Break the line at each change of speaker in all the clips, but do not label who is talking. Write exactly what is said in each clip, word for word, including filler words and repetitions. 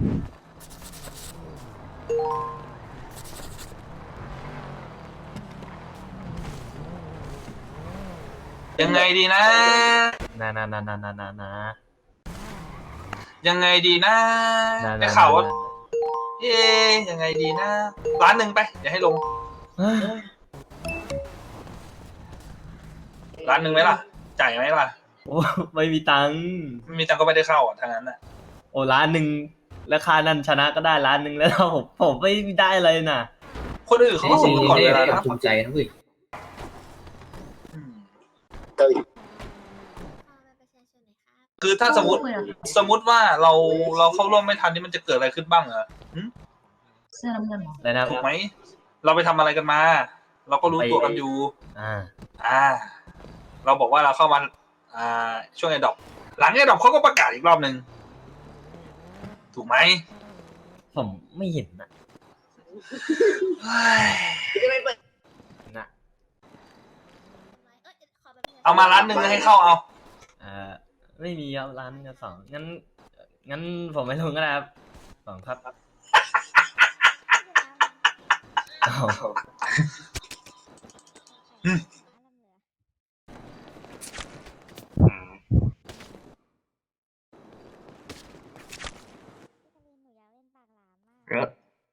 ยังไงดีนะ
นะนะนะนะนะนะนะ
ยังไงดีนะได้ข่าวว่าเอ๊ยยังไงดีนะร้านหนึ่งไปอย่าให้ลงร้านหนึ่งไหมล่ะจ่ายไหมล่ะ
โอ้ไม่มีตังค์
ไม่มีตังค์ก็ไม่ได้เข้าอ่ะทางนั้นอ่ะ
โอ้ร้านหนึ่งราคานั้นชนะก็ได้ร้านหนึ่งแล้วผมผมไม่ได้อะไรน่ะ
คนอื่นเขาก็สมมติก่อนเวลานะ
ภูมิใจนะเว้ย
คือถ้าสมมติสมมติว่าเราเราเข้าร่วมไม่ทันนี่มันจะเกิดอะไรขึ้นบ้างเหรอ
เสื้อน้ำเงินเหรอ
อะไรนะ
ถูกไหมเราไปทำอะไรกันมาเราก็รู้ตัวกันอยู่
อ่า
อ่าเราบอกว่าเราเข้ามาอ่าช่วงไอ้ดอกหลังไอ้ดอกเขาก็ประกาศอีกรอบหนึ่งถูกไหม
ผมไม่เห็นนะ
นะเอามาร้านหนึ่งให้เข้าเอา
อ่าไม่มีครับร้านกันสองงั้นงั้นผมไม่ลงก็ได้ครับสองครับ
เยอะ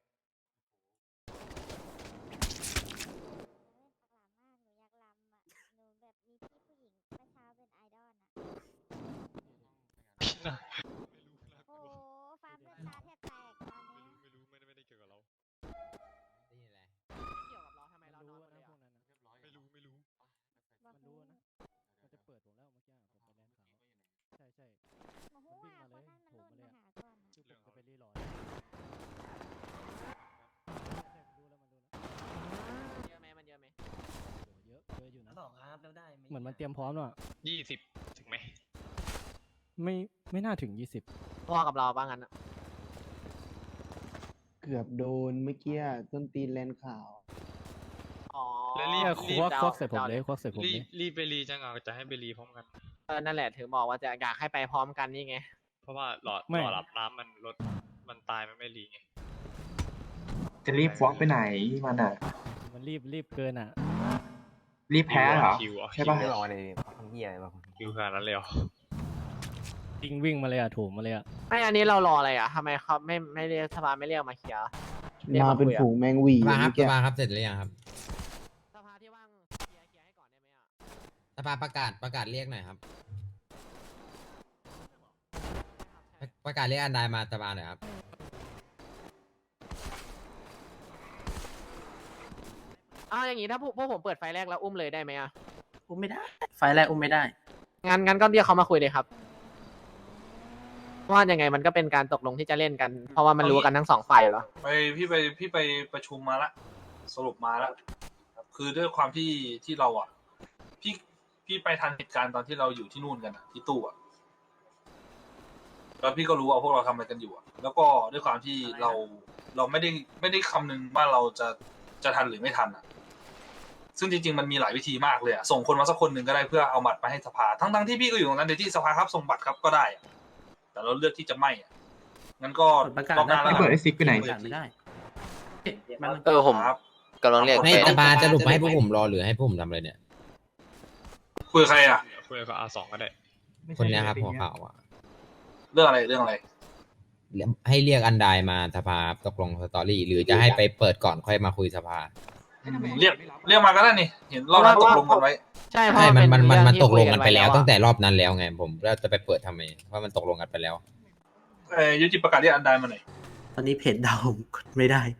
เหมือนมันเตรียมพร้อมแล้ว
ยี่สิบถึงไหม
ไม่ไม่น่าถึงยี่สิบ
พ่อกับเราบ้างงั้น
เกือบโดนเมื่อกี้ต้นตีนแลนข่าว
อ๋อ
แล้วรีบควักควักใส่ผมเลยควักใส่ผมเลย
รีบไปรีจังอ่ะจะให้ไปรีพร้อมกัน
เออนั่นแหละถือบอกว่าจะอยากให้ไปพร้อมกันนี่ไง
เพราะว่าหลอดหลอดรับน้ำมันลดมันตายมันไม่รีไง
จะรีบวอล์กไปไหนมันอ่ะ
มันรีบรีบเกินอ่ะ
รีบแพ้เหรอใช่ป่ะ
รอเลยทำเหี้ยอะไรบ้าง
คิวขนาดนั้นเลยเหรอ
วิ่งวิ่งมาเลยอ่ะถูกมาเลยอ่ะ
ไม่อันนี้เรารออะไรอ่ะทำไมเขาไม่ไม่เรียกสภาไม่เรียกมาเคลียร์
มาเป็นฝูงแมงวี
สภาครับสภาครับเสร็จหรือยังครับ
สภาที่ว่างเคลียร์เคลียร์ให้ก่อนได้ไหมอ่ะ
สภาประกาศประกาศเรียกหน่อยครับประกาศเรียกอันใดมาสภาหน่อยครับ
อ้าวอย่างนี้ถ้าพวกพวกผมเปิดไฟแรกแล้วอุ้มเลยได้ไหมอ่ะ
อุ้มไม่ได้ไฟแรกอุ้มไม่ได้
งั้นงั้นก็เรียกเขามาคุยเลยครับว่ายังไงมันก็เป็นการตกลงที่จะเล่นกันเพราะว่ามันรู้กันทั้งสองฝ่ายเหรอ
ไปพี่ไปพี่ไปประชุมมาละสรุปมาแล้วคือด้วยความที่ที่เราอ่ะพี่พี่ไปทันเหตุการณ์ตอนที่เราอยู่ที่นู่นกันอ่ะที่ตู้อ่ะแล้วพี่ก็รู้ว่าพวกเราทำอะไรกันอยู่อ่ะแล้วก็ด้วยความที่เราเราไม่ได้ไม่ได้คำนึงว่าเราจะจะทันหรือไม่ทันอ่ะซึ่งจริงๆมันมีหลายวิธีมากเลยอ่ะส่งคนมาสักคนหนึ่งก็ได้เพื่อเอาบัตรมาให้สภาทั้งๆที่พี่ก็อยู่ตรงนั้นในที่สภาครับส่งบัตรครับก็ได้แต่เราเลือกที่จะไม่อ่ะงั้นก็
รอบหน้า
แล้วเปิดไอซิกไปไหน
ไม่ได้
เออผมกำลังเรียก
ให้สภาจะหลุดให้พวกผมรอหรือให้พวกผมทำอะไรเนี่ย
คุยใครอ่ะ
คุยกับอาสองก็ได้
คนนี้ครับหัวข่าวอ่ะ
เรื่องอะไรเรื่องอะไร
ให้เรียกอันใดมาสภาตกลงสตอรี่หรือจะให้ไปเปิดก่อนค่อยมาคุยสภา
เรียกเรียกมาก็ได้นี่เห็นรอบนั้นตกลงกันไว้
ใช่
ใช่มันมันมันมันตกลงกันไปแล้วตั้งแต่รอบนั้นแล้วไงผมแล้วจะไปเปิดทำไมเพราะมันตกลงกันไปแล้ว
เอ้ยยุติประกาศเรียกอันใดมาหน่อย
ตอนนี้เพจดาวกดไม่ได้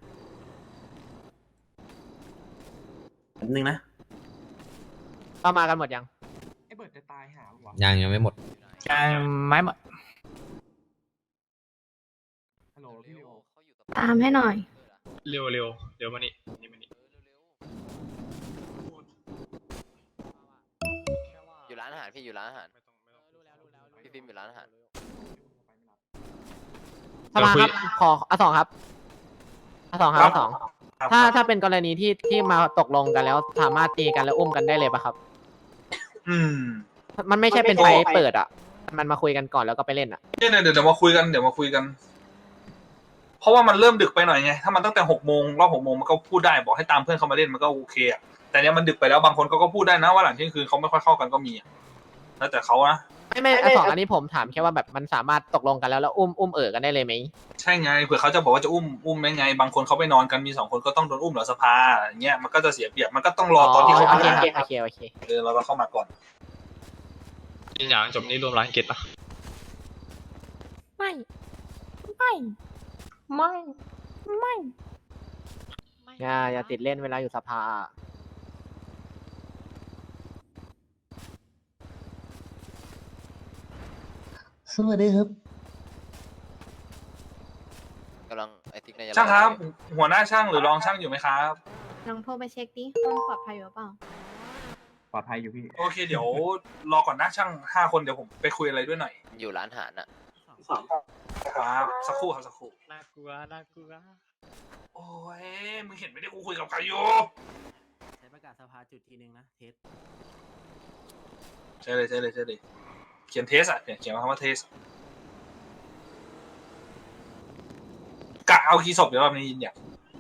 แป๊บนึงนะ
เข้ามากันหมดยัง
ไอ้เบิร์ดจะตายหาหรอ
ยังยังไม่หมด
ยังไม่หมด
ตามให้หน่อย
เร็วเร็วเร็วมานี่นี่มานี่
อยู่ร้านอาหารพี่อยู่ร้านอาหารพี่ฟิล์มอยู่ร้านอาหารสภาครับขออาสองครับอาสองครับอาสองถ้าถ้าเป็นกรณีที่ที่มาตกลงกันแล้วสามารถตีกันแล้วอุ้มกันได้เลยป่ะครับ
อืม
มันไม่ใช่เป็นไฟเปิดอ่ะมันมาคุยกันก่อนแล้วก็ไปเล่นอ่ะ
เนี่ยเดี๋ยวเดี๋ยวมาคุยกันเดี๋ยวมาคุยกันเพราะว่ามันเริ่มดึกไปหน่อยไงถ้ามันตั้งแต่หกโมงรอบหกโมงมันก็พูดได้บอกให้ตามเพื่อนเขามาเล่นมันก็โอเคอะแต่เนี้ยมันดึกไปแล้วบางคนเขาก็พูดได้นะว่าหลังเที่ยงคืนเขาไม่ค่อยเข้ากันก็มีอะแล้วแต่เขานะ
ไม่ไม่อะสองอันนี้ผมถามแค่ว่าแบบมันสามารถตกลงกันแล้วแล้วอุ้มอุ้มเอ๋อกันได้เลยไหม
ใช่ไงเผื่อเขาจะบอกว่าจะอุ้มอุ้มได้ไง บางคนเขาไปนอนกันมีสองคนก็ต้องโดนอุ้มเหรอสภาอย่างเงี้ยมันก็จะเสียเปรียบมันก็ต้องรอตอนที่เขา
โอ
มา
เคโอเคโอเค
เออเราก็เข้ามาก่อน
ยินหยางจบนี้รวมร้านเกตปะ
ไม่ไม่ไม่ไม่อย่าอย่าติดเล่นเวลาอยู่สภา
สวัสดีครับ
กำลังไอติ๊กน่าจะ
ช่างครับ หัวหน้าช่างหรือรองช่างอยู่ไหมครับ
ลองโทรไปเช็คดิห้องปลอดภัยหรือเปล่า
ปลอดภัยอยู่พี่
โอเคเดี๋ยวรอก่อนนะช่างห้าคนเดี๋ยวผมไปคุยอะไรด้วยหน่อย
อยู่ร้านอาหารน่ะ
ครับสักครู่ครับสักครู่
น่ากลัวน่ากลัว
โอ้ยมึงเห็นไม่ได้กูคุยกับใครอยู่
ใช้ประกาศสภาจุดทีนึงนะ เทส
ใช่เลยใช่เลยใช่เลยเขียนเทสอะเขียนเขียนมาคำว่าเทสกะเอาคีย์ศพเดี๋ยวรอบนี้ยินเนี่ย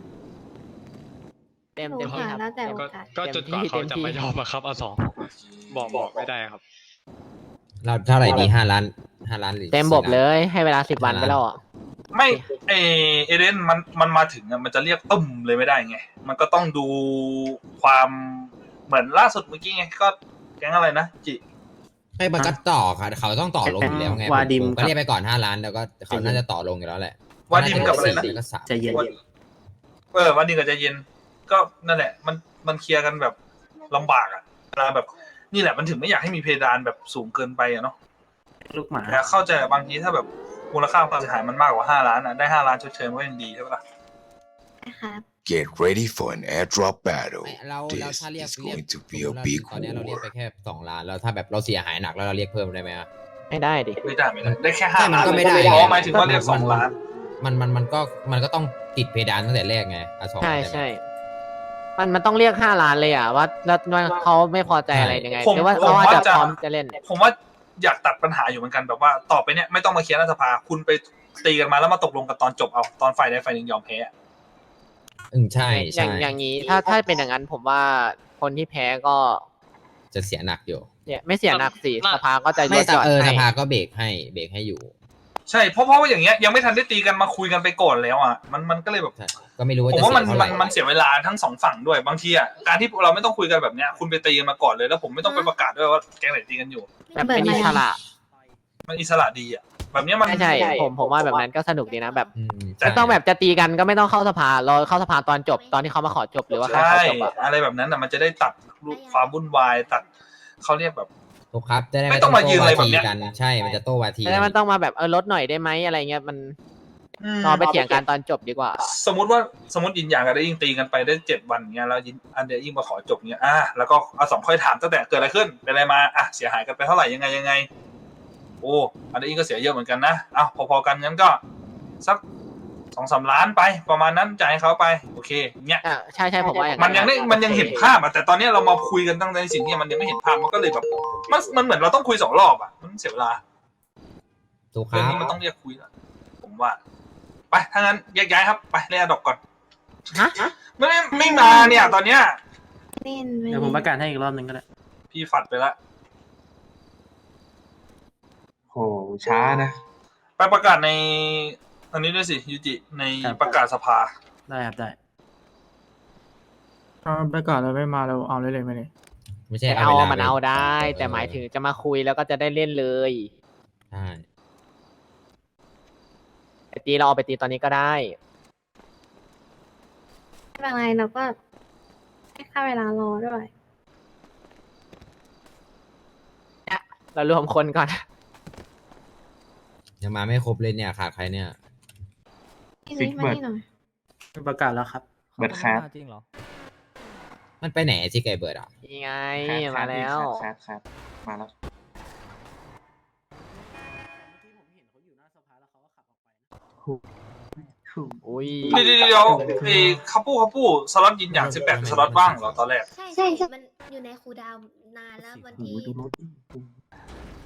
เต็ม
หนู
เต็มที่
ค่ะ
ครับ
แล้วแต่โอ
ก็
กาส
ก็จนกว่าเขาจะไม่ยอมอะครับเอาสองบอกบอกไม่ได้ครับ
เราเท่าไหร่ดีห้าล้านห้าล้านหรือ
เต็มบบ
สี่
เล
ล้าน
ยให้เวลาสิบวันไปแล้วอ่ะ
ไม่เอเอเดนมันมันมาถึงอะมันจะเรียกตึ้มเลยไม่ได้ไง มันก็ต้องดูความเหมือนล่าสุดเมื่อกี้ไงก็แก๊งอะไรนะจิ
ไม่มันก็ต่อค่ะเขาต้องต่อลงอยู่แล้วไง
วาดิม
ผมก็
ครับ
เรียกไปก่อนห้าล้านแล้วก็เขาน่าจะต่อลงอยู่แล้วแหละ
วาดิมกับอะไรนะ
แล้วก็สาม
ใจเย็น
เออวันนี้ก็จะเย็นก็นั่นแหละ มันมันเคลียร์กันแบบลำบากอะเวลาแบบนี่แหละมันถึงไม่อยากให้มีเพดานแบบสูงเกินไปอะเนาะ
ลูกหมา
แต่เข้าใจบางทีถ้าแบบมูลค่าความเสียหายมันมากกว่าห้าล้านอะได้ห้าล้านชดเชยมันก็ยังดีใช่ปะล่ะ
นะครับ
Get ready for an airdrop battle.
ไม่เราเรา
This
ถ้าเรียก
is
เรียก
going to be
ส
a
มมุติ
big
ตอนนี้เราเรียกไป
war.
แค่สองล้านแล้วถ้าแบบเราเสียหายหนักแล้วเราเรียกเพิ่มได้ไหมอะ
ไม่ได้ดิ
ไม่ได้ไม่ได้ได้แค่ห้า
ใช่มัน
ล้าน
ก็ไม่ได้
อ๋อหมายถึงว่าเรียกสองล้าน
มันมันมันก็มันก็ต้องติดเพดานตั้งแต่แรกไงอะสอง
ใช่
ไหม
ใช่ มันมันต้องเรียกห้าล้านเลยอ่ะว่าแล้วว่าเขาไม่พอใจอะไรยังไง
ผม
หรือว่า
ผม
เขาอาจจะ
ว่าจะ
พร้อมจะเล่น
ผมว่าอยากตัดปัญหาอยู่เหมือนกันแบบว่าต่อไปเนี่ยไม่ต้องมาเคลียร์รัฐสภาคุณไปตีกันมาแล้วมาตกลงกันตอนจบเอาตอนฝ่ายใดฝ่ายหนึ่งยอมแพ้
อืมใช่
อ
ใช่
ย่างอย่างนี้ถ้าถ้าเป็นอย่างนั้นผมว่าคนที่แพ้ก็
จะเสียหนักอยู่
เนี่ยไม่เสียหนักสิ
น่า
สภาก็จะล
ไม่
ด
แต่
หย่อน
เออส
ให้
ภาก็เบรกให้เบรกให้อยู่
ใช่เพราะเพราะว่าอย่างเงี้ยยังไม่ทันได้ตีกันมาคุยกันไปก่อนแล้วอ่ะมันมันก็เลยแบบ
ใช่ก็ไม่รู้ว่า
ผม
จะ
ว่า
เสี
มัน
ยเท่าไห
มั
ร่
นมันเสียเวลาทั้งสองฝั่งด้วยบางทีอ่ะการที่เราไม่ต้องคุยกันแบบเนี้ยคุณไปตีกันมาก่อนเลยแล้วผมไม่ต้องไปประกาศด้วยว่าแก๊งไหนตีกันอยู่
แบบเป็นอิสระ
มันอิสระดีอ่ะแบบเนี้ยมัน
ใช่ใช่ผมผมว่าแบบนั้นก็สนุกดีนะแบบ
อืม
แต่
ไม่ต้องแบบจะตีกันก็ไม่ต้องเข้าสภารอเข้าสภาตอนจบตอนที่เขามาขอจบหรือว่าใคร
ใช่
ขอจบอ่ะ
อะไรแบบนั้นอ่ะมันจะได้ตัดความวุ่นวายตัดเขาเรียกแบบ
ถูกครับจะได้
ไม่
ไม่
ต้
ต้
อ
อง ง
มายืน
โต้
อะไร
วา
แบบ
ที
เนี้ย
กันใช่มันจะโต้วาที
แล้วมันต้องมาแบบเออลดหน่อยได้ไหมอะไรเงี้ยมัน
อืม
รอไปเถียงกันตอนจบดีกว่า
สมมติว่าสมมติยินอย่างกันได้ยิงตีกันไปได้เจ็ดวันเงี้ยแล้วยินอันเดียยิ่งมาขอจบเงี้ยอ่ะแล้วก็เอาสองค่อยถามตั้งแต่เกิดอะไรขึ้นเป็นอะไรมาอ่ะเสียหายกันไปเท่าไหร่ยังไงยังไงโอ้อันเดียยิ่งก็เสียเยอะเหมือนกันนะอ่ะพอๆกันงั้นก็สักสองสามล้านไปประมาณนั้นจ่ายให้เขาไปโอเคเงี้ย
อ่าใช่ใช่ผมว่าอย่าง
มันยังได้มันยังเห็นภาพอ่ะแต่ตอนนี้เรามาคุยกันตั้งในสิ่งที่มันยังไม่เห็นภาพมันก็เลยแบบมันมันเหมือนเราต้องคุยสองรอบอ่ะมันเสียเวลา
ถูกค
เรื่อง
รับ
นี้มันต้องเรียกคุยแล้วผมว่าไปถ้างั้นแยกย้ายครับไปเรียกดอกก่อน
ฮะ
ไม่ไม่ไม่มาเนี่ยตอนเนี้ย
เล่นไม่
เดี๋ยวผมประกาศให้อีกรอบนึงก็ได้
พี่ฝัดไปละ
โห ช้านะ
ไปประกาศในอันนี้ด้วยสิยูจิใน
ครับ
ประกาศสภา
ได้ครับได้
ถ้าประกาศเราไม่มาเราเอาเลยเลยไหมเนี่ย
ไม่ใช่
แต่
เอา
เอา
เวลา
มันเอาได้
เออ
แต่หมายถึงจะมาคุยแล้วก็จะได้เล่นเลย
ใช่
ไปตีเราเอาไปตีตอนนี้ก็ได้
ไม่เป็นไรเราก็ให้ค่าเวลารอด้วย
เรารวมคนก่อน
ยังมาไม่ครบเลยเนี่ยขาดใครเนี่ย
พี่นุ้ยมานี่หน่อย
ประกาศแล้วครับ
เบิร์ดแคท
จริงเหรอ
มันไปไหนจิไก่เบิร์ดอ่ะ
นี่ไง
แคท
มาแล้ว
แคทแคทมาแล้ว
อุ้ย
เดี๋ยวเดี๋ยวเดี๋ยวไอ้คัปปูคัปปูสล็อตยินอย่างสิบแปดสล็อตว่างเหรอตอนแรก
ใช่ใช่มันอยู่ในครูดาวนานแล้ววันที่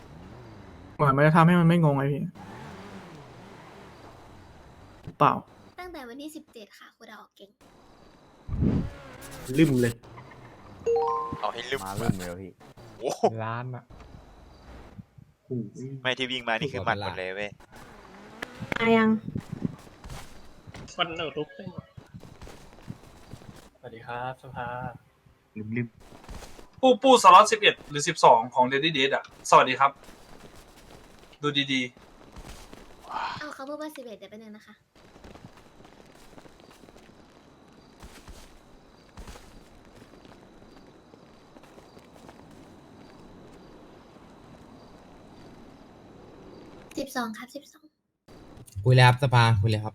เหมือนมันจะทำให้มันไม่งงไงพี่ เปล่า
แต่วันที่สิบเจ็ดค่ะคุณดอกเก่ง
ลืมเลย
เอาให้ลึก
มาเริ่มเลยพี่
โอ้โห
ล้านอะ
ไม่ที่วิ่งมานี่คือหมัดหมดเลยเว้ย
อายัง
มันเอาทุก
สวัสดีครับสภา
ลืมลืม
ปู้ปู้สล็อตสิบเอ็ดหรือสิบสองของเดดดี้เดดอ่ะ สวัสดีครับ ดูดี
เอาเขาพูดว่าสิบเอ็ดเดี๋ยวไปหนึ่งนะคะสิบสองครับสิบสอง
คุยเลยครับสภาคุยเลยครับ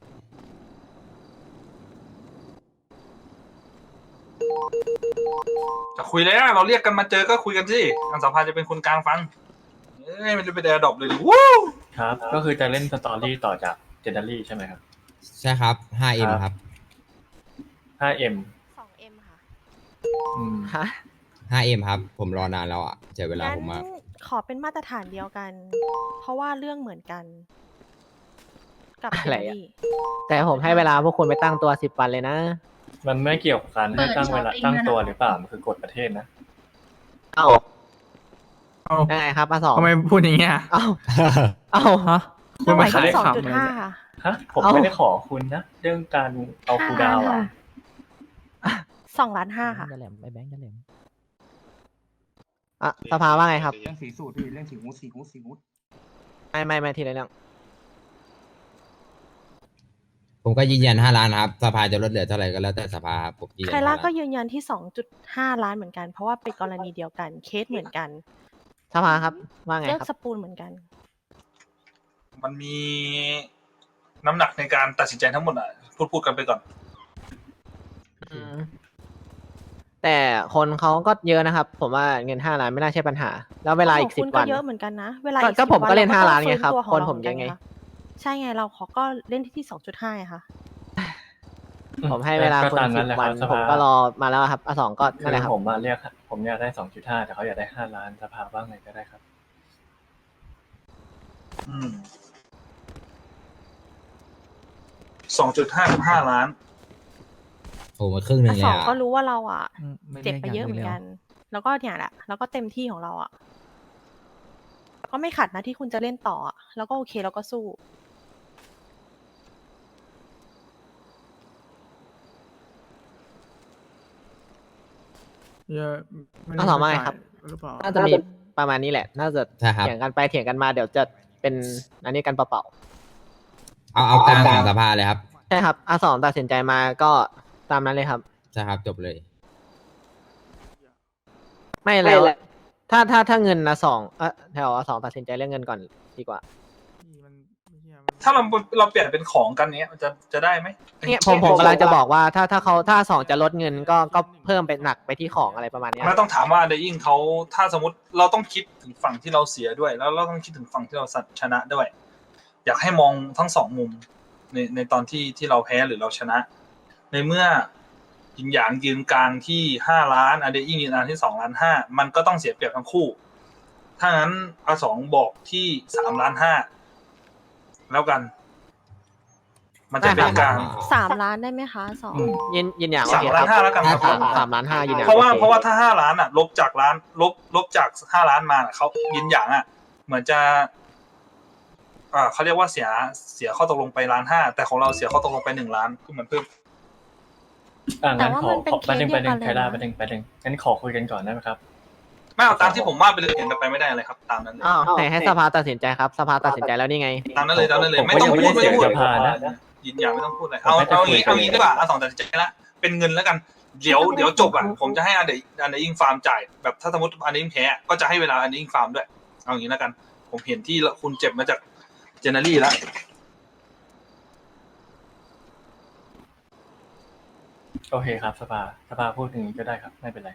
ๆ จะคุยเลยนะเราเรียกกันมาเจอก็คุยกันสิทางสภาจะเป็นคนกลางฟัง เอ้ยมันจะเป็นแอร์ดรอปเลยดิวู้
ครับ ก็คือจะเล่นสตอรี่ต่อจากเจนดารี่ใช่ไหมครับ
ใช่ครับ ห้าเอ็ม ครับ
ห้าเอ็ม
สองเอ็มค่ะ
อืม
ฮะ
ห้าเอ็ม ครับ ผมรอนานแล้วอ่ะเสียเวลาผมมาก
ขอเป็นมาตรฐานเดียวกัน เพราะว่าเรื่องเหมือนกัน กับ
อะไรอะ แต่ผมให้เวลาพวกคุณไปตั้งตัวสิบวันเลยนะ
มันไม่เกี่ยวกับการให้ตั้งเวลาตั้งตัวหรือเปล่า มันคือกฎประเทศนะ
เอ้า
เอ้า
ยังไงครับอาสอง
ทำไมพูดอย่างเงี้ย
เอ้าเอ้า
ฮะคุณมาขาย
สอง
ขำ
จุด
เลย
ห้า
เนี่ย
ค่ะ
ฮะ ผม
เอ้า
ไม่ได้ขอคุณนะ เรื่องการเอาคูลดาวน์อ่ะ
สองล้านห้าค่ะ
จะแหลมไปแบงค์จะแหลม
อ่ะสภาว่าไงครับ
เรื่องสีสูตรพี่เรื่องสีฮูดสีฮูดสีฮูด
ไม่ไม่ไม่ทีละเรื่อง
ผมก็ยืนยันห้าล้านครับสภาจะลดเหลือเท่าไหร่ก็แล้วแต่สภาครับผมยืนยัน
ไคล่า
ห้า
ก็
ล้าน
ยืนยันที่สองจุดห้าล้านเหมือนกัน เพราะว่าเป็นกรณีเดียวกัน เคสเหมือนกัน
สภาครับว่าไง
เลือก
ครับ
สปูนเหมือนกัน
มันมีน้ำหนักในการตัดสินใจทั้งหมดอ่ะ พูดพูดกันไปก่อน
อืมแต่คนเขาก็เยอะนะครับ ผมว่าเงินห้าล้านไม่น่าใช่ปัญหา แล้วเวลาอีก
ข
สิ
ง
บ
คุณ
วัน
เยอะเหมือนกันนะ เวลา
ก็
อีก
ก็
สิบ
ผมก็
วัน
เล่น
ร
ห้าล้าน
ต้อง
ไงครับ
ฟื้ตัวของ
คน
เรา
ผมเยอะไง
หนกันใช่ไงเราขอก็เล่นที่สองจุดห้าค่ะ
ผมให้เวลา
ก็
คุณ
ตาม
สิ
นั้น
บ
แหละ
วัน
ครับส
ผ
ภา
มก็รอมาแล้วครับอาสองก็
คื
นั่นแหละ
อ
ครับ
ผมมาเรียกผมอยากได้สองจุดห้าแต่เขาอยากได้ห้าล้านสภาว่าไงก็ได้ครับ
อืมสองจุดห้ากับห้าล้าน
โอ้มาครึ่งหนึ่งเล
ส
ย
อง
อ่ะ
ก็รู้ว่าเราอ่ะ
อืมม่
เจ็บไปเยอะเหมือนกัน แล้วก็เนี่ยแหละ แล้วก็เต็มที่ของเราอ่ะ ก็ไม่ขัดนะที่คุณจะเล่นต่ออะแล้วก็โอเคแล้วก็สู้
เยอะไม่
อาสองว่าไงครับ
หรือเปล่า
น่าจะมีประมาณนี้แหละ น่าจะ
ใช่ครับ
เถียงกันไปเถียงกันมาเดี๋ยวจะเป็นอันนี้กันเปล่า
เอาเอากลางของสภาเลยครับ
ๆใช่ครับอาสองตัดสินใจมาก็ตามนั้นเลยครับ
ใช่ครับจบเลย
ไม่แล้ว ถ้าถ้าถ้าเงินนะสองเออแถวอาสองตัดสินใจเรื่องเงินก่อนดีกว่า
มันไม่เหี้ยมัน
ถ้าเราเราเปลี่ยนเป็นของกันเนี้ยมันจะจะได้ไหม
เนี่ยผมผมกำลังจะบอกว่าถ้าถ้าเขาถ้าสองจะลดเงินก็ก็เพิ่มเป็นหนักไปที่ของอะไรประมาณเนี้ย
ไม่ต้องถามว่าเดยิ่งเขาถ้าสมมติเราต้องคิดถึงฝั่งที่เราเสียด้วย แล้วเราต้องคิดถึงฝั่งที่เราชนะด้วย อยากให้มองทั้งสองมุมในในตอนที่ที่เราแพ้หรือเราชนะ ในเมื่อยินหยางยืนกลางที่ห้าล้านอเดยิ่งยืนกลางที่สองล้านห้ามันก็ต้องเสียเปรียบทั้งคู่ ถ้างั้นอาสองบอกที่สามล้านห้าแล้วกัน มันจะเป็นกลาง
สามล้านได้ไหมคะสอง
ยินยินอย่าง
สามล้านห้าแล้วกันครับ
สามสามล้านห้ายินอย่าง
เพราะว่า
โอค
เพราะว่าถ้าห้าล้านอ่ะ ลบจากล้านลบลบจากห้าล้านมาน่ะเขายินอย่างอ่ะ เหมือนจะอ่าเขาเรียกว่าเสียเสียข้อตกลงไปล้านห้าแต่ของเราเสียข้อตกลงไปหนึ่งล้านคือเหมือนเพิ่ม
อ่างั้น
แต่ว่า
ขอ
มันเป็น
ขอประเด็น
เค
ป
ส
ระ
เดี
เด็
ยวน กันเลย
ใครได้
นะ
ประเด็นประเด็นงั้นขอคุยกันก่อนได้ไหมครับ
ไม่เอาตามที่ผมว่าไปเลยเห็นไปไม่ได้เลยครับ ตามนั้นเลย
อ้าวไหนให้สภาตัดสินใจครับ สภาตัดสินใจแล้วนี่ไง
ตามนั้นเลยตามนั้นเลย
ผม
ไม่ต้อง
ผม
พู
ไม่
ด
ได้
ไม่ต้องพูด
เสียงสภานะ
ยินอย่างไม่ต้องพูดเลย
ผม
เอา
ไม่ได้
เอา
คุย
งี้เอางี้
กัน
ดีกว่าเอาสองตัดสินใจละเป็นเงินแล้วกันเดี๋ยวเดี๋ยวจบอ่ะผมจะให้อันเดอันเดยิ่งฟาร์มจ่ายแบบถ้าสมมติอันเดยิ่งแพ้ก็จะให้เวลาอันเดยิ่งฟาร์มด้วยเอาอย่างนี้แล้วกัน ผมเห็นที่คุณเจ็บมาจากเจเนอรี่แล้ว
โอเคครับสภาสภาพูดอย่างนี้ก็ได้ครับไม่เป็นไร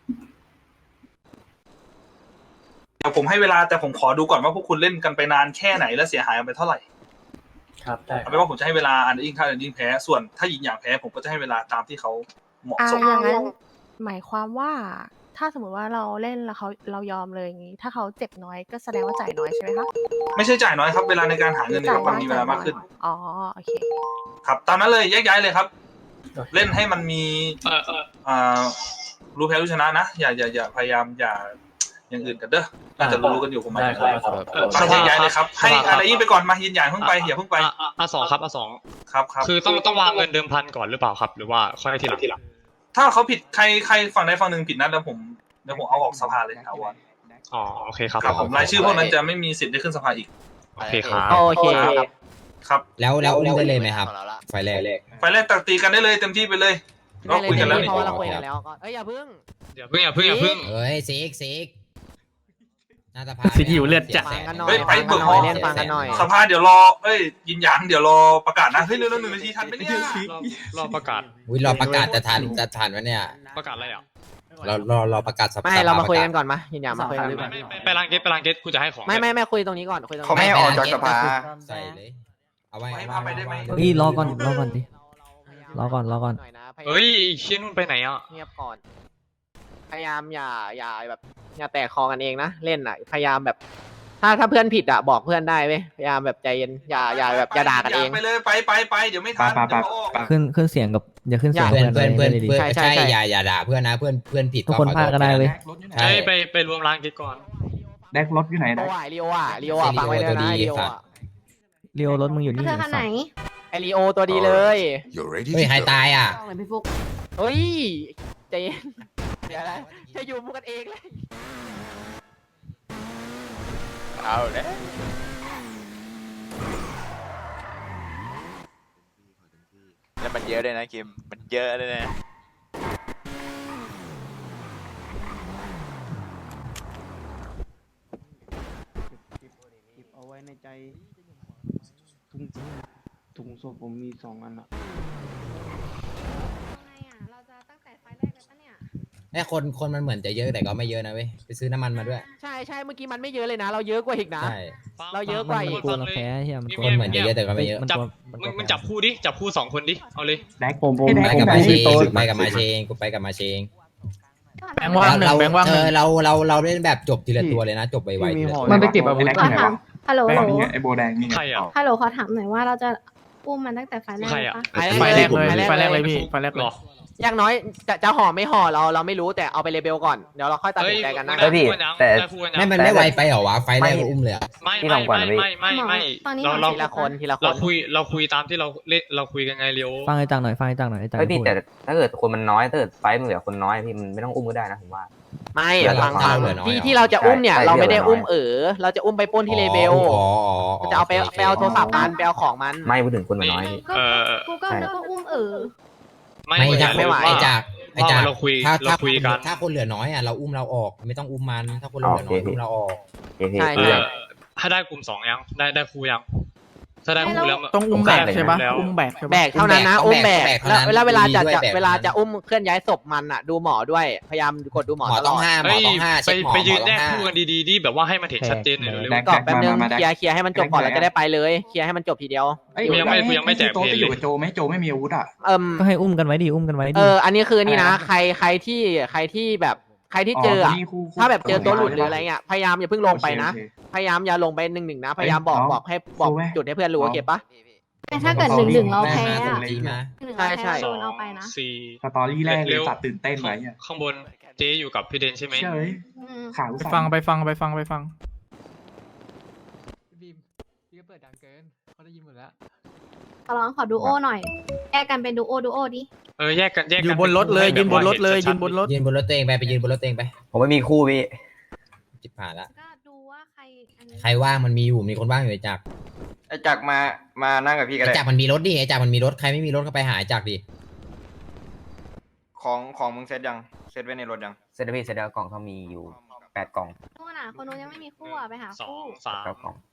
เดี๋ยวผมให้เวลาแต่ผมขอดูก่อนว่าพวกคุณเล่นกันไปนานแค่ไหนและเสียหายกันไปเท่าไหร่
ครับได้ค
เอา
รับ
เป็นว่าผมจะให้เวลาอันเดยิ่งถ้าอันเดยิ่งแพ้ส่วนถ้ายิงอย่างแพ้ผมก็จะให้เวลาตามที่เขาเหมาะ
อ่า
สม
อย่างนั้นหมายความว่าถ้าสมมติว่าเราเล่นแล้วเขาเรายอมเลยอย่างนี้ ถ้าเขาเจ็บน้อยก็แสดงว่าจ่ายน้อยใช่ไหมคะ
ไม่ใช่จ่ายน้อยครับเวลาในการหาเงินเนี่ยมันมีเวลามากขึ้น
อ๋อโอเค
ครับตามนั้นเลยแยกย้ายเลยครับ เล่นให้มันมี
เออเออ
อ่ารู้แพ้รู้ชนะนะอย่าอย่าอย่าพยายามอย่าอย่างอื่นกันเด้อน่าจะรู้กันอยู่ผมหมาย
ได้
ถึง
ครับ
อะไร
ครับ
เออ
ฟังแยกย้ายเลยครับให้อะไรยี่ไปก่อนมายืนหยันเพิ่งไปอย่าเพิ่งไป
อ่ะอ่ะอ่ะสองครับอ่ะสอง
ครับครับ
คือต้องต้องวางเงินเดิมพันก่อนหรือเปล่าครับ หรือว่าค่อยทีหลังทีหลัง
ถ้าเขาผิดใครใครฝั่งใดฝั่งหนึ่งผิดนัดแล้วผมเดี๋ยวผมเอาออกสภาเลยครับวัน
อ๋อโอเคครับ
ครับผมรายชื่อพวกนั้นจะไม่มีสิทธิ์ได้ขึ้นสภาอีก
โอเคครับ
โอเคครับ
ครับ
แล้วแล้วอุ้มได้เลยไหมครับ ไฟแรก
ไฟแรกตัดตีกันได้เลยเต็มที่ไปเลยเรา
ได้เลย
คุยกันแล้ว
เพ
นี่
ราะว่าเราคุยกันแล้วก็เอ้ยอย่าเพิ่ง
อย่าเพิ่งอย่าเพิ่งอย่าเพิ่ง
เฮ้ยซิกซิกหน้าสภา
สิหิวเลือดจัด
ฟังกันหน่อย
เฮ้ยไป
ฟัง
เบิ
กัน
ก
ห
ห้
น่
อ
อง ยเล่นฟังกันหน่อย
สภาเดี๋ยวรอเอ้ยยินหยางเดี๋ยวรอประกาศนะเฮ้ยเร็วๆหนึ่งนาทีทันไหมเนี่ย
รอรอประกาศ
วิรอประกาศจะทันจะทันวะเนี่ย
ประกาศอะไรอ่ะ
เรารอรอประกาศสภา
ไม่เรามาคุยกัน
ประ
ก่อนมายินหยางมาคุยกัน
ไม่ไม่ไม่ไปร้านเกตไปร้านเกตกูจะให้ของ
ไม่ไม่ไม่คุยตรงนี้ก่อนคุยตรงนี้
เขาไม่ให้ออกจากสภาใส่เลย เอาไว้
ให้พาไปได้ไหม
เฮ้ยรอก่อนรอก่อนดิ รอก่อนรอก่อน
หน่อยนะพาาม
เฮ้ยเชี่ยนุ่นไปไหนอ่ะ
เงียบก่อน พยายามอย่าอย่าแบบอย่าแตกคอกันเองนะเล่นอ่ะพยายามแบบ ถ้าถ้าเพื่อนผิดอ่ะบอกเพื่อนได้เว้ยพยายามแบบใจเย็นอย่าอย่าแบบอย่าด่ากันเอง
ไปเลยไปไปไปเดี๋ยวไม่ทัน
ไปไป
เดี๋ยวเขาออก
ไป
ขึ้นขึ้นเสียงกับอย่าขึ้นเสียง
เพื่อนเพื่อนเพื่อน
เลยดิ
เพื่อน
ใช่ใช่
ใช่
ใช่
อย่าอย่าด่าเพื่อนนะเพื่อนเพื่อนผิด
ทุกคน
ขอ
พลาดก็ได้เว้ย
ใช่
ใช่ไปไปรวมร้านเกตก่อน
แดกรถอยู่ไหน
โอ
แดก
อ่ะลีโออ่ะลีโออ่ะฟังไว้เลยนะลีโออ่ะ
เรียวรถมึงอยู่นี่
เธอคันไหน
ไอลีโอตัวดีเลย
You're ready
เฮ้ย
to
ใคร
go.
ตายอ่ะ
เฮ้ยใจเย็นเดี๋ยวนะจะอยู่มุกกันเองเลย
เอาเลย แล้วมันเยอะเลยนะคิม มันเยอะเลยนะ
เอาไว้ในใจถุงถุงศพผมมีสองอันอะ
เราจะตั้งแต่ไฟแรกเลยปะเนี่ย
เนี่ยคนคนมันเหมือนจะเยอะแต่ก็ไม่เยอะนะเว้ยไปซื้อน้ำมันมาด้วย
ใช่ใช่เมื่อกี้มันไม่เยอะเลยนะ เราเยอะกว่าอีกนะ
ใช่
เราเยอะกว่าอีก
กลัวเราแพ้เฮียมันกลั
คนเหมือนจะเยอะแต่ก็ไม่เยอะ
มัน
จับ
กลัวมันก
มึ
ลั
ง
ว
มึงจับคู่ดิจับคู่สองคนดิเอาเลย
แดก
ผมผม
ให้แดก
ไปกับ
แด
มาก เช
ที่
ง
โต๊ะ
ไปกับมาเชงกูไปกับมาเชง
แบงค์ว่างหนึ่ง
เรา
แบงค์ว่าง
เธ
หนึ่ง
อเราเราเราเล่นแบบจบทีละตัวเลยนะจบไวๆ
มี
ทีละ
ห่อ
ตัว
มันไปเก็บอาวุธ
แดก
ที่
ที่
ไห
ไห
น
น
วะ
วะ
ฮัลโหล
แบ
ฮั
ง
ล
ค์
โหล
นี่ไงไอโบแดงนี่ไง
ใครอ่ะ
ฮัลโหลขอถามหน่อยว่าเราจะอุ้มมันตั้งแต่ไฟแรก
ใคร
เลย
อ่ะ
ปะ
ไฟแรกเลยไฟแรกเลยพี่ไฟแรก
ห
เล
ร
ย
อ
อย่างน้อยจะจะห่อไม่ห่อเราเราไม่รู้แต่เอาไปเลเบลก่อนเดี๋ยวเราค่อยตัดสินใจกันนะ
เฮ้ยพี่แต่คู่กันยัง
ไม่มันไม่ไวไปเหรอวะไฟแรกก็อุ้มเลยอะ
ไม่ไม่ไม่ไม่ไม่ไม่
ตอนนี้
เราเรา
ทีละคนทีละค
เรา
น
คุยเราคุยตามที่เราเล่นเราคุยกันไงเรียว
ฟังไอ้จังหน่อยฟังไอ้จังหน่อยไอ้จัง
เฮ้ยพี่
พูด
แต่ถ้าเกิดคนมันน้อยถ้าเกิดไฟมันเหลือคนน้อยพี่มันไม่ต้องอุ้มก็ได้นะผมว่า
ไม่
เดี๋ยว
ฟัง
เรา
ฟัง
เหลือน้อย
ที่
เหรอ
ที่เราจะอุ้มเนี่ย
ใช่
เราไม่ได้
เหลือน้อย
อุ้มเออเราจะอุ้มไปปล้นที่เลเบล
อ๋ออ๋ออ๋อ
จะเอาไป
โค
ไปเอาโทรศัพท์มันไปเอาของมัน
ไม่พูดถึงคนมันน้อยพี่
ก็
เออ
กูก็นึกว่าอุ้มเออ
ไม่
ไม่
เหมือน
จา
กั
ก
น
ไม่ไหว
ว่า
จากไอ้จาก
เราคุย
ถ้า
เรา
ถ้า
คุยกัน
ถ้าคนเหลือน้อยอ่ะเราอุ้มเราออกไม่ต้องอุ้มมันถ้าคนเหลือน้อยอุ้มเราออก
โอเคพี่
ใช่
เอ
ใช่
อถ้าได้กลุ่มสองยังได้ได้ครูยังถ้าได้ครูแล้ว
ต้องอุ้มแบกใช่ปะ
แล้ว
อุ้มแบกใช่ปะ
แบกเท่านั้นนะ
ต้
อุ้
อง
ม
แบ
แบ
ก
ก
ต้องแบก
แล้ว
เท่านั้น
เวลาจะ
ดีด้วย
จะ
แบก
เวลา
เท่านั้น
จะอุ้มเคลื่อนย้ายศพมันอ่ะดูหมอด้วยพยายามกดดูหมอ
หมอ
ตล
ต้อ
อง ด
ห้าหมอ
เฮ้ย
ต้องห้า
ไป
เช็คหมอ
ไปยืน
หมอ
แย
ต้อง
ก
ห้า
คู่กันดีๆดิแบบว่าให้มันเห็นชัดเจนหน่อยเร็ว
แดก
กรอบแป๊บนึง
มามา
เคลียร์เคลียร์ให้มันจบก่อนแล้วจะได้ไปเลยเคลียร์ให้มันจบทีเดียว
เอ้ย
กูยังไม่กูยังไม่แจก
โต๊ะ
เพล
จะ
ง
อยู่
เลย
กับโจไหมโจไม่มีอาวุธอ่ะ
เอิม
ก็ให้อุ้มกันไว้ดิอุ้มกันไว้
เอ
ดิ
ออันนี้คือนี่นะ
อะไรนะ
ใครใครที่ใครที่แบบใครที่เจออะ
นี่คู่คู่
ถ้าแบบเจอตัวหลุดหรือ
ใช่ปะ
อะไรเงี้ยพยายามอย่าเพิ่งลงไปนะ
โอเค
พยายามอย่าลงไปหนึ่งหนึ่งนะพยายามบอก
เอ้ย
บอกให้บอก
เอาไว้
จุดให้เพื่อนรู้โอเคปะ
แต่ถ้าเกิดหนึ่งหนึ่งเราแพ้
มา
อะ
จีมา
หนึ่ง
ใช่
เรา
ใช่
แพ้เราโดนเอาไปนะ
สี่
สตอรี่แรกเล
เร็
ยว สัตว์ตื่นเต้นไว้อะ
ข้างบนเจ๊อยู่กับพี่เดนใช่ไหม
เชื่อเลย
อืม
ขาว
ไป
สั่น
ฟังไปฟังไปฟังไปฟัง
บีมพี่ก็เปิดดังเกินเขาได้ยินหมดแล้ว
ขอร้องขอดูโอหน่อยแยกกันเป็นดูโอดูโอดิ
เออแยกกันแยก
อ
กัน
ยู่บนรถเลยยืนบนรถเลยยืนบนรถ
ยืนบนรถตัวเองไปไปยืนบนรถตัวเองไป
ผมไม่มีคู่พี่
จิบผ่านละ
ก็ดูว่าใครอันนี้
ใครว่างมันมีอยู่มีคนว่างอยู่ไอ้จักร
ไอ้จักรมามานั่งกับพี่ก็
ไอ้
ได้
จักรมันมีรถดิไอ้จักรมันมีรถใครไม่มีรถก็ไปหาไอ้จักรดิ
ของของมึงเซตยังเซตไว้ในรถยังเซตพี่เซตแล้วกล่องเขามีอยู่แปดกล่อง
นู่นน่ะคนนู้นยังไม่มีคู่อ่ะไปหา
สอ
คู่
งสาม
เก้ากล่อง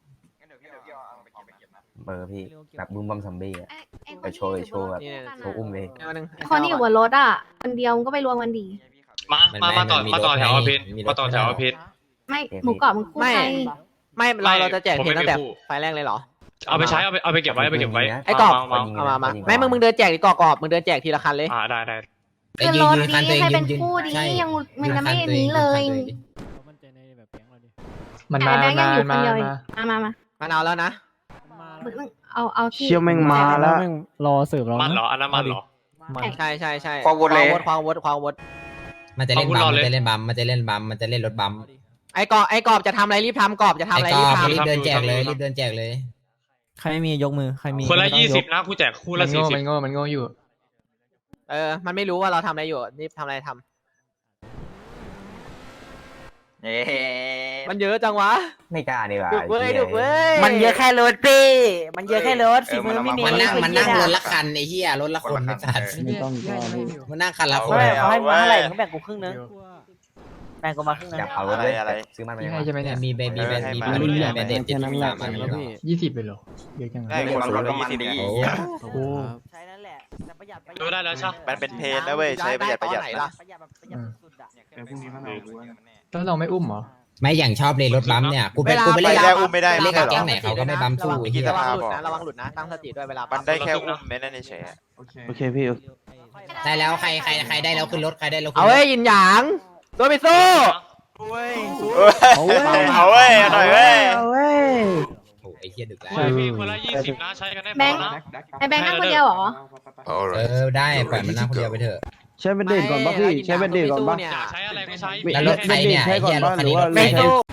เบอร์พี่แบบบูมบัมซัมบี้อะ
ไอ้ไอ้
ไปโชว์โชว์แบบ โชว์อุ้มเลย
เอาหนึ่ง
คนที่อยู่บนรถอ่ะคนเดียวมันก็ไปรวมกันดี
มามามาต่อมาต่อแถวอภินมาต่อแถวอภิน
ไม่หมูกรอบมันคู่
ไม่
ใคร
ไม่เราเราจะแจก
ผม
เพล
ไม่
งตั้งแต่
มีคู่
ไฟล์แรกเลยเหรอ
เอาไปใช้เอาไปเอาไปเก็บไว้เอาไปเก็บไว้
ไอ้กรอบ
มามา
เอามามาไม่มึงมึงเดินแจกดีกรอบกรอบมึงเดินแจกทีละคันเลย
อ่าได้ได้
ไอ้
ขึ้น
ยื
ร
น
ถ
ยืน
ดี
คันตัวเอง
ให้
ยื
เป็น
นยืน
คู่ดี
ใช่
ยังมัน
ยื
ยังไม่
คั
อัน
ตัวอง
นี้เลย
คันตัวองดิ
มัน
แต่
มา
แบงค์ยังอยู่คน
มา
เดียว
มา
อีกมามามา
มันเอาแล้วนะ
เอาเอาที่
เชี่ยวแม่งมาแล้ว
รอเสิร์ฟเรา
มันเหรออันนั้นมันเหรอ
ใช่ใช่ใช่
ควงวนเลย
ควงวดควงวด
มันจะเล่นบัม
เอา
มัน
เลย
จะเล่นบัมมันจะเล่นบัมมันจะเล่นรถบัม
ไอ้กอบไอ้กอบจะทำอะไรรีบทำกอบจะทำ
ไอ้
อะไร
ก
รี
อบ
ท
รีบเดินแจกเลยรีบเดินแจกเลย
ใครไม่มียกมือใครมี
คนละ
ไม่ต้อง
ยี่สิบ
ก
นะกูแจกคู่
มั
ละ
น
สี่
โง่
สิบ
มันโง่มันโง่อยู่
ำเออมันไม่รู้ว่าเราทำอะไรอยู่รีบทำอะไรทำ
เย้
มันเยอะจังวะ
ไม่กล้าดีกว่า
ดุเว้ยดุเว้ย
มันเยอะแค่รถพี่มันเยอะแค่รถฝีมือไม่มี
มันนั่งมันนั่งรถละคันไอ้เหี้ยรถละคนไม่ตัด
ไม่ต้องก็พี่
มันนั่งคันละคน
เอาให้มาเท่าไหร่เขาแบ่ง
กูครึ่งนึง
แบ่งกูมาครึ่งนึงอยากเอารถเลยอะไรซื้อมันไป
ยังไงใช่ไหมเนี่ย
มีเบบี้เบบี้
มันรุ่นใหญ่
เบเด็ดติดสามอัน
ยี่สิบไปเหรอเยอะจัง
ได้คนรถละยี่สิบ
โอ้
โอ้โห
ใช้นั่นแหละแต่ประหยัดประหยั
ดูได้แล้วใช่
มันเป็นเพนนะเว้ยใช้ประหยัดประหยัด
ไหน
นะ
ล่ะ
ประหยัดแบบประหยัดสุดๆอ่ะ
แต่พรุ่งนี้มันเอาดูว่า
แล้วเราไม่อุ้มเหรอ
ไม่อย่างชอบเลยรถบัมเนี่ยกูไป
เวลา
กูไปเล่น
ไป
กับ
แล้วอุ้มไม่ได้
เล่นกับ
ไม่
แก๊ง
ใช่
ไหน
เหรอ
เขาก็ไม่บัมสู้
ระวัง
ไอ้เหี้ย
ระวังหลุดนะระวังหลุดนะตั้งสติด้วยเวลา
มั
มัน
ได้แค่อุ้มไม่นั่นเฉย
โอเค
โอเคพี่
ได้แล้วใครใครใครได้แล้วขึ้นรถใครได้แล้วขึ้น
เอา
รถ
เว้ยยินหยางตัวไปสู้
เอาเว้ยเอาเว้ยหน่อยเว้ย
เอาเว้ย
โอ้ไอ้เหี้ยดึกแล้ว
ไม่พี่คนละยี่สิบนะใช้กันได้พ
แบ
อง
ค์
นะ
ไอแบงค์นั่งคนเดียวเหรอ
เอ
Alright.
อได้ปล่อยมันนั่งคนเดียวไปเถอะ
ใช้เป็นเดทก่อนป่ะพี่ใช้เป็นเดทก่อนป่ะ
เนี่ย
อยากใช้อะไรก็ใช้
แล้วรถใครเนี่ยไอ้เหี้ยรถคันนี้รถใคร
ไม่
เนี่ย
สู้